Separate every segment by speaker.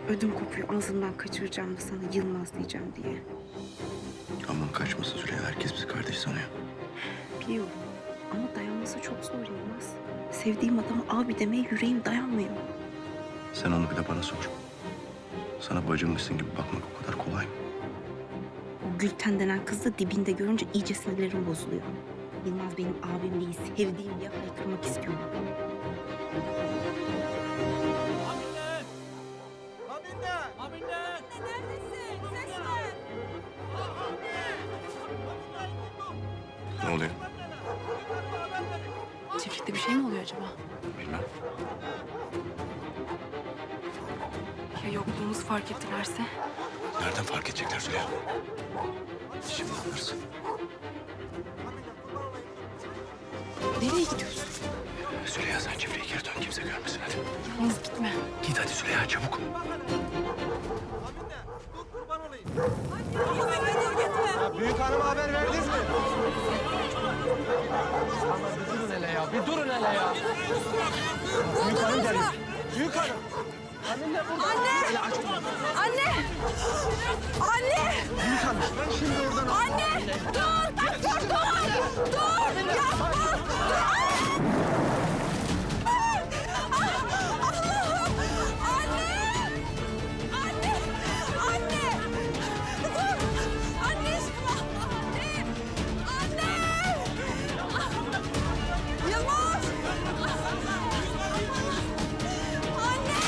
Speaker 1: Ödüm kopuyor ağzımdan kaçıracağım da sana Yılmaz diyeceğim diye.
Speaker 2: Aman kaçmasın Züleyha. Herkes bizi kardeş sanıyor.
Speaker 1: Biliyorum ama dayanması çok zor Yılmaz. Sevdiğim adama abi demeye yüreğim dayanmıyor.
Speaker 2: Sen onu bir de bana sor. Sana bacımmışsın gibi bakmak o kadar kolay mı?
Speaker 1: O Gülten denen kız da dibinde görünce iyice sinirlerim bozuluyor. Yılmaz benim abim değil, sevdiğim diye haykırmak istiyorum.
Speaker 2: Ne oluyor?
Speaker 3: Çiftlikte bir şey mi oluyor acaba?
Speaker 2: Bilmem.
Speaker 3: Ya yokluğumuzu fark ettilerse?
Speaker 2: Nereden fark edecekler Züleyha? Şimdi anlarsın.
Speaker 3: Nereye gidiyorsun?
Speaker 2: Züleyha sen çiftliğe geri dön. Kimse görmesin hadi.
Speaker 3: Yalnız gitme.
Speaker 2: Git hadi Züleyha çabuk.
Speaker 4: Büyük hanıma haber verdiniz mi?
Speaker 5: Bir durun hele ya, bir durun hele ya.
Speaker 4: Büyük hanım geliyor. Büyük hanım.
Speaker 5: Anne burada.
Speaker 6: Anne! Anne! Anne!
Speaker 4: Büyük hanım. Ben şimdi oradan...
Speaker 6: Anne! Dur! Dur! Dur! Dur! Yapma! Dur! Allah'ım! Anne! Anne! Anne! Dur! Anneciğim! Anne! Anne! Yılmaz! Anne!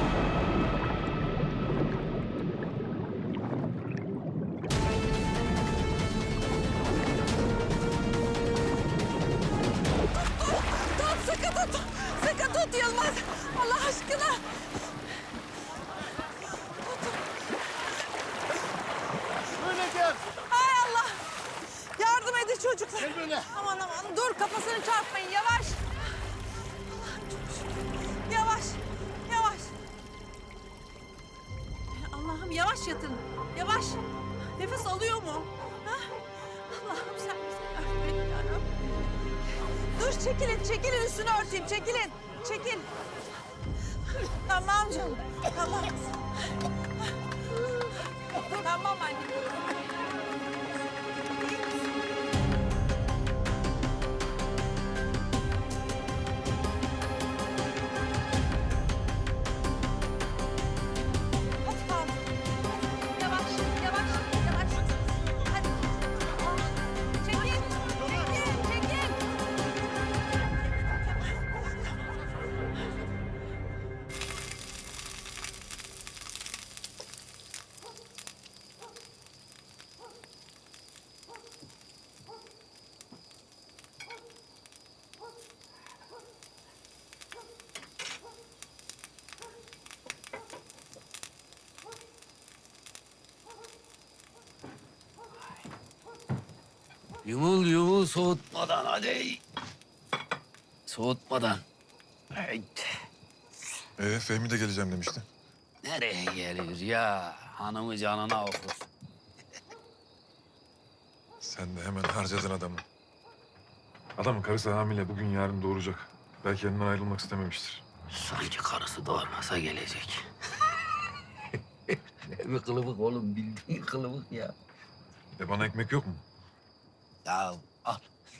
Speaker 6: Tut, sıkı tut. Sıkı tut Yılmaz. Allah aşkına.
Speaker 4: Böyle gel.
Speaker 6: Hay Allah. Yardım edin çocuklar.
Speaker 4: Gel böyle.
Speaker 6: Aman aman dur kafasını çarpmayın yavaş. Allah'ım çok şükür. Yavaş. Yavaş. Allah'ım yavaş yatın. Yavaş. Nefes alıyor mu? Ha? Allah'ım sen bizi affet yarabbim. Dur çekilin, çekilin üstünü örteyim, çekilin. Çekil. Tamam canım, tamam. Tamam anne. Hadi kalk. Yavaş, yavaş, yavaş. Hadi. Çekil, çekil, çekil.
Speaker 5: Yumul yumul soğutmadan hadi. Soğutmadan. Haydi.
Speaker 7: Fehmi de geleceğim demişti.
Speaker 5: Nereye gelir ya? Hanımı canına okur.
Speaker 7: Sen de hemen harcadın adamı. Adamın karısı hamile. Bugün yarın doğuracak. Belki yanından ayrılmak istememiştir.
Speaker 5: Sanki karısı doğurmasa gelecek. Ne bir kılıbık oğlum, bildiğin kılıbık ya.
Speaker 7: Bana ekmek yok mu?
Speaker 5: Ya al.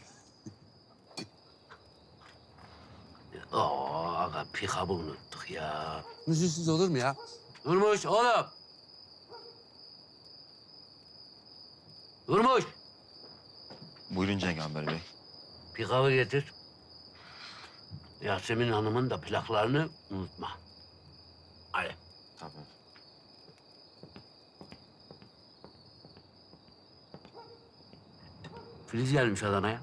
Speaker 5: Oo, aga pikabı unuttuk ya. Müziksiz olur mu ya? Durmuş oğlum. Durmuş.
Speaker 2: Buyurun Cengaber Bey.
Speaker 5: Pikabı getir. Yasemin Hanım'ın da plaklarını unutma. Hadi.
Speaker 2: Tamam.
Speaker 5: Filiz gelmiş Adana'ya.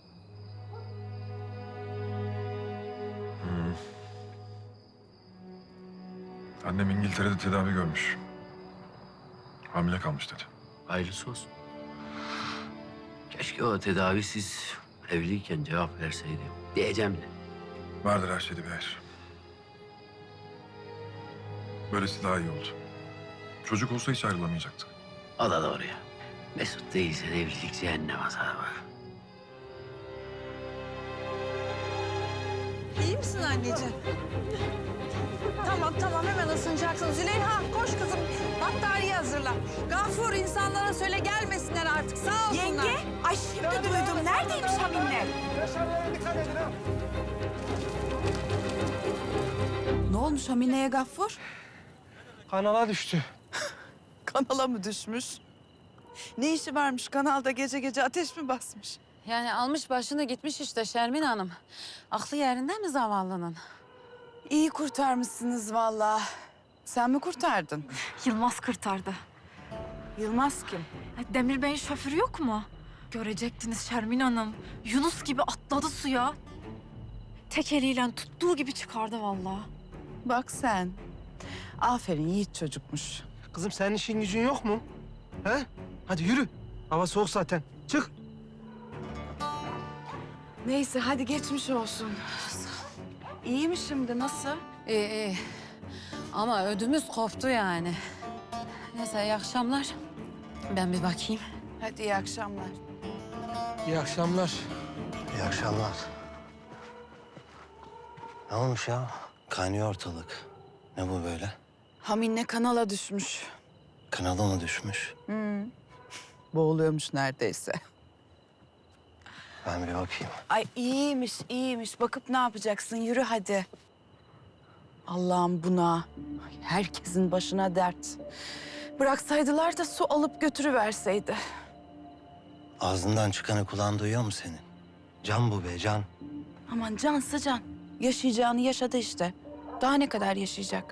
Speaker 7: Annem İngiltere'de tedavi görmüş. Hamile kalmış dedi.
Speaker 5: Hayırlısı olsun. Keşke o tedavisiz evliyken cevap verseydi. Diyeceğim de.
Speaker 7: Vardır her şeyde bir hayır. Böylesi daha iyi oldu. Çocuk olsa hiç ayrılamayacaktık.
Speaker 5: O da doğru ya. Mesut değilse evlilik cehennem azabı.
Speaker 6: İyi misin anneciğim? Tamam tamam hemen ısınacak. yapacaksın? Züleyha koş kızım. Battaniye hazırla. Gafur insanlara söyle gelmesinler artık. Sağ olsunlar.
Speaker 8: Yenge, ay şimdi duydum. Neredeymiş Hamine?
Speaker 4: Yaşamlara dikkat edin ha.
Speaker 8: Ne olmuş Hamine'ye Gaffur?
Speaker 4: Kanala düştü.
Speaker 6: Kanala mı düşmüş? Ne işi varmış kanalda gece gece ateş mi basmış?
Speaker 9: Yani almış başını gitmiş işte Şermin Hanım. Aklı yerinde mi zavallının?
Speaker 8: İyi kurtarmışsınız vallahi. Sen mi kurtardın?
Speaker 3: Yılmaz kurtardı.
Speaker 8: Yılmaz kim?
Speaker 3: Demir Bey'in şoförü yok mu? Görecektiniz Şermin Hanım. Yunus gibi atladı suya. Tek eliyle tuttuğu gibi çıkardı vallahi.
Speaker 8: Bak sen. Aferin yiğit çocukmuş.
Speaker 4: Kızım senin işin gücün yok mu? He? Hadi yürü. Hava soğuk zaten. Çık.
Speaker 8: Neyse hadi geçmiş olsun. İyi mi şimdi nasıl?
Speaker 9: İyi iyi. Ama ödümüz koptu yani. Neyse iyi akşamlar. Ben bir bakayım.
Speaker 8: Hadi iyi akşamlar.
Speaker 4: İyi akşamlar.
Speaker 2: İyi akşamlar. Ne olmuş ya? Kaynıyor ortalık. Ne bu böyle?
Speaker 8: Hamine kanala düşmüş.
Speaker 2: Kanala mı düşmüş?
Speaker 8: Boğuluyormuş neredeyse.
Speaker 2: Ben bir bakayım.
Speaker 8: Ay iyiymiş, iyiymiş. Bakıp ne yapacaksın? Yürü hadi. Allah'ım buna. Ay, herkesin başına dert. Bıraksaydılar da su alıp götürüverseydi.
Speaker 2: Ağzından çıkanı kulağın duyuyor mu senin? Can bu be, can.
Speaker 8: Aman cansa can. Yaşayacağını yaşadı işte. Daha ne kadar yaşayacak?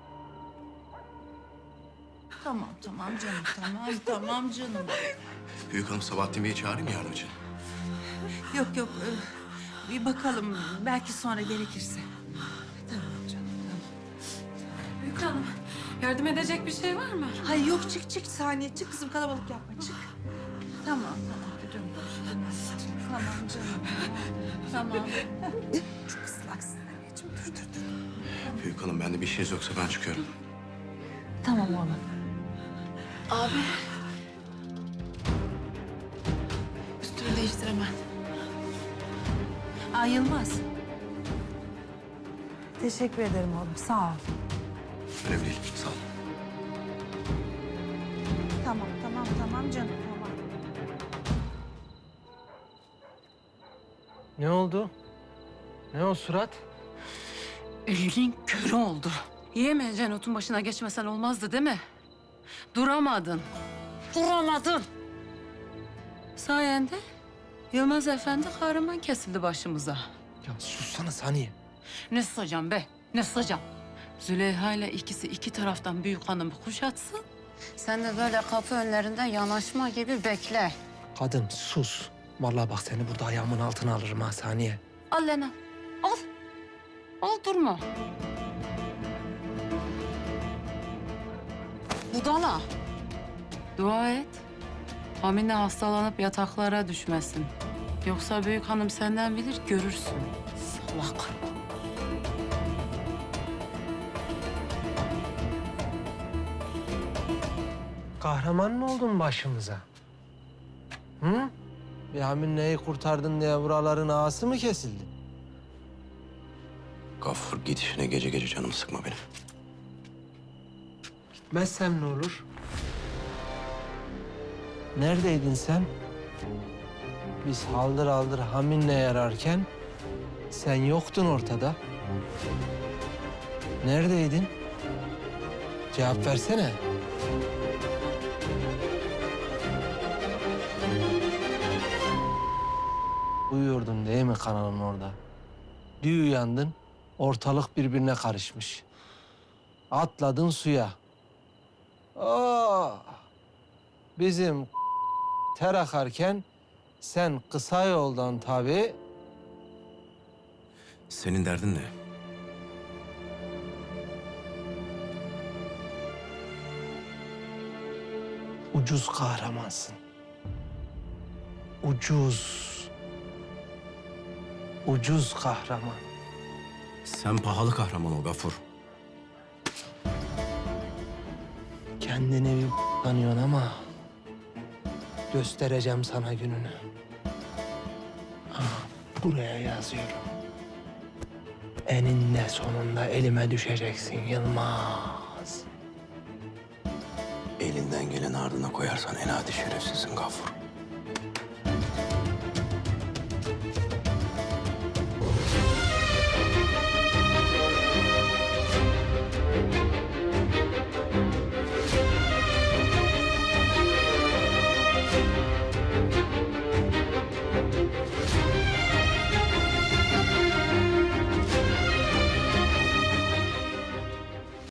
Speaker 8: Tamam canım, tamam canım.
Speaker 2: Büyük hanım Sabahattin Bey'i çağırayım mı yardım için?
Speaker 6: Yok bir bakalım belki sonra gerekirse.
Speaker 3: Büyük Hanım, yardım edecek bir şey var mı?
Speaker 6: Hayır yok çık saniye çık kızım kalabalık yapma çık.
Speaker 8: Tamam canım. Tamam canım. Tamam.
Speaker 6: Çok ıslaksın anneciğim dur.
Speaker 2: Büyük hanım bende bir şeyiniz yoksa ben çıkıyorum.
Speaker 8: Tamam oğlum.
Speaker 3: Abi. Üstümü değiştir hemen.
Speaker 6: Aa Yılmaz. Teşekkür ederim oğlum sağ ol.
Speaker 2: Önemli değil, sağ ol.
Speaker 6: Tamam canım tamam.
Speaker 4: Ne oldu? Ne o surat?
Speaker 9: Elin körü oldu. Yiyemeyeceğin otun başına geçmesen olmazdı değil mi? Duramadın. Duramadın. Sayende Yılmaz Efendi kahraman kesildi başımıza.
Speaker 4: Ya sussana Saniye.
Speaker 9: Ne sıcam be, ne sıcam. Züleyha ile ikisi iki taraftan büyük hanımı kuşatsın. Sen de böyle kapı önlerinden yanaşma gibi bekle.
Speaker 4: Kadın sus. Vallahi bak seni burada ayağımın altına alırım ha Saniye.
Speaker 9: Al Lena, al. Al durma. Budala. Dua et. Hamine hastalanıp yataklara düşmesin. Yoksa büyük hanım senden bilir, görürsün. Salak.
Speaker 4: Kahraman mı oldun başımıza? Hı? Bir Hamine'yi kurtardın diye buraların ağası mı kesildi?
Speaker 2: Gaffur gidişine gece gece canımı sıkma benim.
Speaker 4: Gitmezsem ne olur? Neredeydin sen? Biz haldır haldır Hamine yararken sen yoktun ortada. Neredeydin? Cevap versene. Uyuyordun değil mi kanalın orada? Bir uyandın, ortalık birbirine karışmış. Atladın suya. Bizim ter akarken sen kısa yoldan tabii.
Speaker 2: Senin derdin ne?
Speaker 4: Ucuz kahramansın. Ucuz. Ucuz kahraman.
Speaker 2: Sen pahalı kahraman ol Gaffur.
Speaker 4: Kendini bir tanıyorsun ama göstereceğim sana gününü. Buraya yazıyorum. Eninde sonunda elime düşeceksin Yılmaz.
Speaker 2: Elinden geleni ardına koyarsan en adi şerefsizsin Gafur.